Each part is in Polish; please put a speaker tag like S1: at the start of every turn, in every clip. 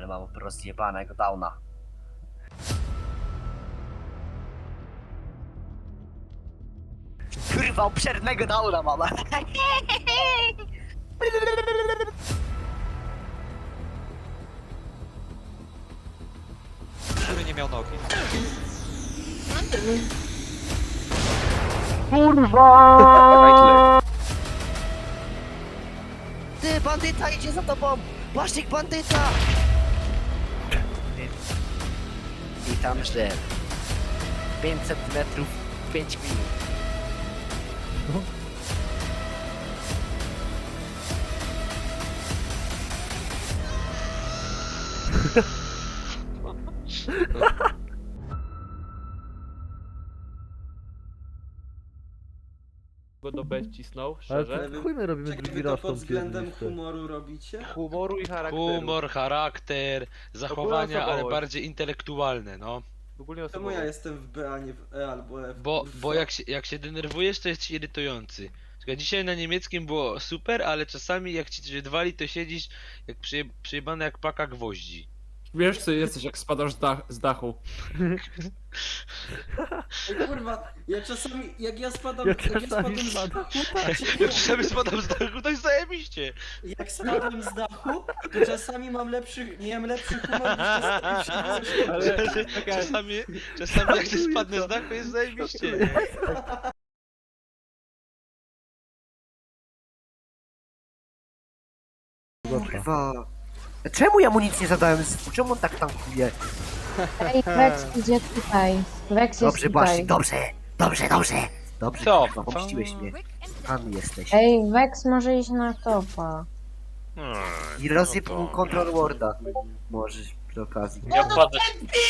S1: mam po prostu jebanego downa. Kurwa, obszernego downa mam.
S2: Który nie miał nogi.
S3: Kurwa!
S1: Ty, bandyta idzie za tobą! Błaszczyk, bandyta! Witam, że 500 metrów, 5 minut.
S4: Go do B wcisnął,
S3: Ale
S4: szczerze.
S3: to chuj my robimy
S5: Czekaj,
S3: drugi
S5: wy to
S3: raz
S5: pod
S3: tą
S5: względem
S3: pierdolę.
S5: humoru robicie?
S4: Humoru i charakteru.
S6: Humor, charakter, zachowania, ale
S4: osobowość.
S6: bardziej intelektualne, no.
S4: Ogólnie
S5: Czemu
S4: osobowo.
S5: ja jestem w B, a nie w E albo F?
S6: Bo
S5: kurwa?
S6: jak się denerwujesz, to jesteś irytujący. Czekaj, dzisiaj na niemieckim było super, ale czasami jak ci coś wali, to siedzisz jak przyjebany jak paka gwoździ.
S4: Wiesz co jesteś jak spadasz z dachu.
S5: Ej, kurwa, ja czasami, jak ja spadam,
S3: Ja
S5: jak ja
S3: czasami
S5: spadam z
S3: spadam.
S5: dachu,
S6: Jak czasami spadam z dachu, to jest zajebiście.
S5: jak spadam z dachu, to czasami miałem lepszy humor niż czasami wszedłem ze szkoły.
S4: Ale czekaj,
S6: Czasami jak ty spadnę z dachu, jest zajebiście. Nie?
S1: Kurwa. Czemu ja mu nic nie zadałem? Czemu on tak tankuje?
S7: Ej, Vex idzie tutaj. Vex jest
S1: Dobrze,
S7: tutaj.
S1: Błaszczyk, dobrze! Dobrze, dobrze! Dobrze,
S6: Co?
S1: kurwa, pomściłeś mnie. Tam jesteś.
S7: Ej, Vex może iść na topa.
S1: I rozsyp
S6: no
S1: mu
S6: to-
S1: Control Warda. Możesz przy okazji.
S6: Ja wpadę.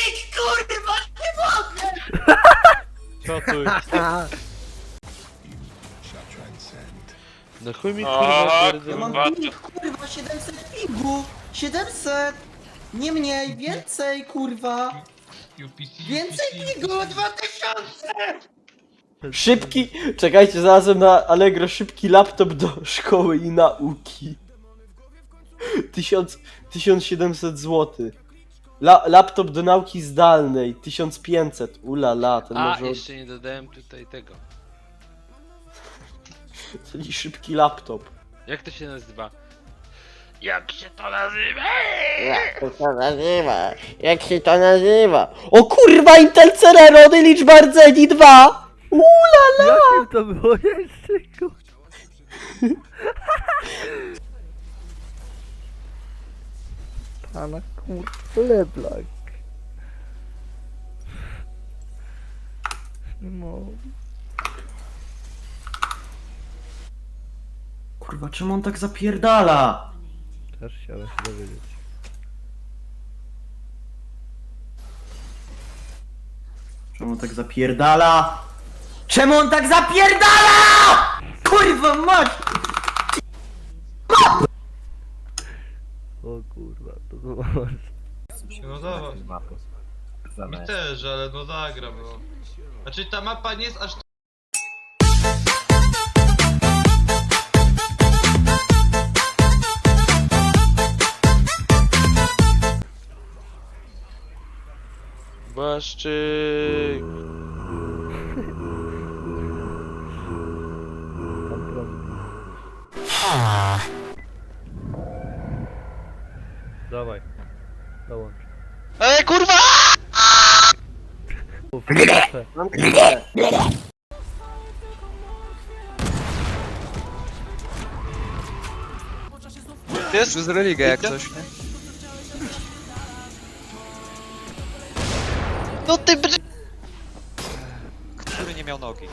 S4: co tu?
S6: No chuj mi kurwa
S5: Ja
S6: pierdolę.
S5: mam ping, kurwa, 700 pingu! 700! Nie mniej, więcej, kurwa! Więcej pingu, 2000!
S8: Szybki, czekajcie, znalazłem na Allegro szybki laptop do szkoły i nauki. 1700 zł. Laptop do nauki zdalnej 1500. Ulala, ten
S6: A,
S8: może.
S6: jeszcze nie dodałem tutaj tego.
S8: Czyli szybki laptop.
S6: Jak to się nazywa? Jak się to nazywa?
S8: Jak to się nazywa? Jak się to nazywa? O kurwa, Intel Cererony, liczba rdzeni 2! Ulala!
S3: Jakim to było jeszcze, kurwa? Pana kurwa, Leblanc. No.
S5: Kurwa, czemu on tak zapierdala?
S3: Też chciałem się dowiedzieć.
S5: Czemu on tak zapierdala? Czemu on tak zapierdala? Kurwa mać!
S3: O kurwa, to było...
S9: No dawaj. Mi też, ale no zagram, no. Znaczy ta mapa nie jest aż
S6: Błaszczyk.
S3: Pan prąd. Dawaj, dołącz.
S6: Kurwa!
S3: O, proszę.
S2: Jest przez religę jak coś, nie?
S6: No ty br...
S2: Który nie miał nogi.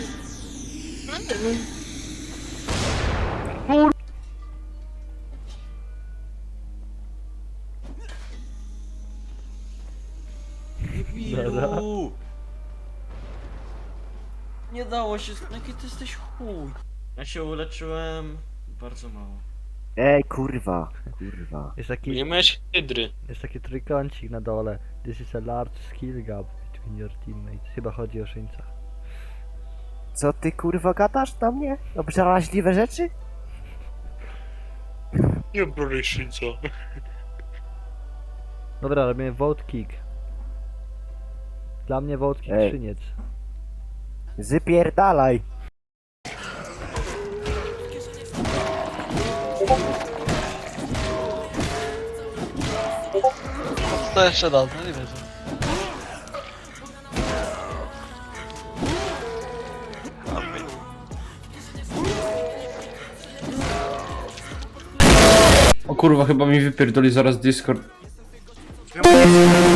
S5: Debilu! Nie dało się, jaki ty jesteś chuj. Ja się uleczyłem bardzo mało.
S1: Ej, kurwa. Kurwa.
S3: Jest taki,
S6: Nie miałeś hydry.
S3: jest taki trójkącik na dole. This is a large skill gap between your teammates. Chyba chodzi o szyńca.
S1: Co ty kurwa gadasz do mnie? Obraźliwe rzeczy?
S6: Nie bronisz co?
S3: Dobra, robimy vote kick. Dla mnie vote kick
S1: Ej.
S3: Szyniec.
S1: Zypierdalaj.
S2: To jeszcze raz, no nie wiem.
S10: O kurwa, chyba mi wypierdoli zaraz Discord.